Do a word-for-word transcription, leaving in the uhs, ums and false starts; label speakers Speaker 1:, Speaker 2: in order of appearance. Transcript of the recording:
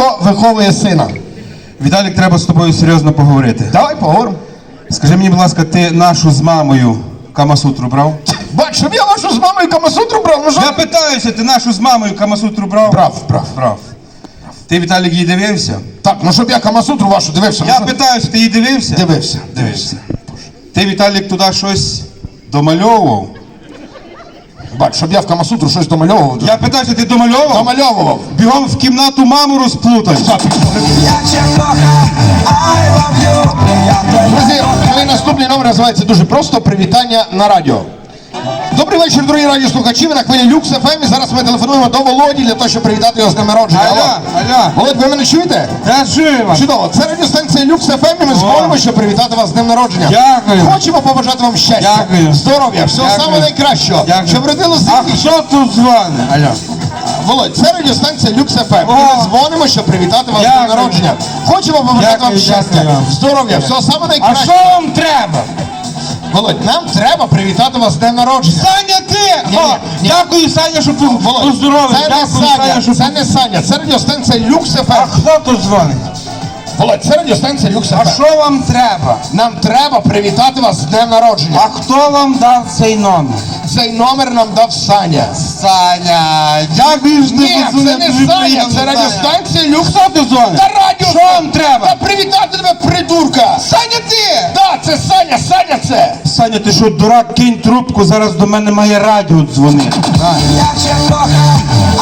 Speaker 1: батько виховує сина.
Speaker 2: Віталік, треба з тобою серйозно поговорити.
Speaker 1: Давай поговоримо.
Speaker 2: Скажи мені, будь ласка, ти нашу з мамою Камасутру брав?
Speaker 1: Бач, щоб я вашу з мамою Камасутру брав, ну що?
Speaker 2: Я питаюся, ти нашу з мамою Камасутру брав?
Speaker 1: Брав, брав.
Speaker 2: Брав. Ти, Віталік, її дивився?
Speaker 1: Так, ну щоб я Камасутру вашу дивився.
Speaker 2: Я
Speaker 1: ну,
Speaker 2: питаюся, ти її дивився?
Speaker 1: Дивився.
Speaker 2: Дивився. Ти, Віталік, туди щось домальовував?
Speaker 1: Бач, щоб я в Камасутру щось домальовував.
Speaker 2: Я питаюся, ти домальовував?
Speaker 1: Домальовував.
Speaker 2: Бігом в кімнату маму розплутаєш.
Speaker 1: Друзі, мій наступний номер називається дуже просто «Привітання на радіо». Добрий вечір, дорогі радіослухачі, ви на хвилі Люкс еф ем, і зараз ми телефонуємо до Володі для того, щоб привітати його з днем народження.
Speaker 2: Алло, алло.
Speaker 1: Володь, ви мене чуєте?
Speaker 2: Я чую вас.
Speaker 1: Чудово, це радіостанція Люкс еф ем, і ми дзвонимо, щоб привітати вас з днем народження.
Speaker 2: Дякую.
Speaker 1: Хочемо побажати вам щастя,
Speaker 2: Дякую.
Speaker 1: здоров'я, всього
Speaker 2: Дякую.
Speaker 1: самого найкращого,
Speaker 2: Дякую.
Speaker 1: щоб родило
Speaker 2: А
Speaker 1: сім'ї.
Speaker 2: хто тут дзвонить? Алло.
Speaker 1: Володь, це радіостанція Люкс еф ем, і
Speaker 2: О.
Speaker 1: ми дзвонимо, щоб привітати вас з днем
Speaker 2: Дякую.
Speaker 1: народження. Хочемо побажати
Speaker 2: Дякую,
Speaker 1: вам щастя,
Speaker 2: дякую вам.
Speaker 1: здоров'я, всього самого
Speaker 2: А
Speaker 1: найкращого.
Speaker 2: що вам треба?
Speaker 1: Володь, нам треба привітати вас з днем народження.
Speaker 2: Саня, ти!
Speaker 1: Ні,
Speaker 2: О,
Speaker 1: ні, ні.
Speaker 2: дякую, Саня, що
Speaker 1: Володь,
Speaker 2: поздоровив.
Speaker 1: це не
Speaker 2: Дякую, Саня,
Speaker 1: Саня,
Speaker 2: що...
Speaker 1: це не Саня, це радіостанція Люкс еф
Speaker 2: А
Speaker 1: ем.
Speaker 2: хто тут дзвонить?
Speaker 1: Володь, це радіостанція Люкс еф
Speaker 2: А
Speaker 1: ем.
Speaker 2: що вам треба?
Speaker 1: Нам треба привітати вас з днем народження.
Speaker 2: А хто вам дав цей номер?
Speaker 1: Цей номер нам дав Саня.
Speaker 2: Саня, дякую, що
Speaker 1: Ні,
Speaker 2: ти
Speaker 1: це не Саня, це радіостанція Люкс.
Speaker 2: Хто ти дзвонить?
Speaker 1: Та радіо.
Speaker 2: Що вам треба?
Speaker 1: Та привітати тебе, придурка.
Speaker 2: Саня, ти!
Speaker 1: Так, це Саня, Саня це.
Speaker 2: Саня, ти що, дурак, кинь трубку, зараз до мене має радіо дзвонити.
Speaker 3: Я cię kocham,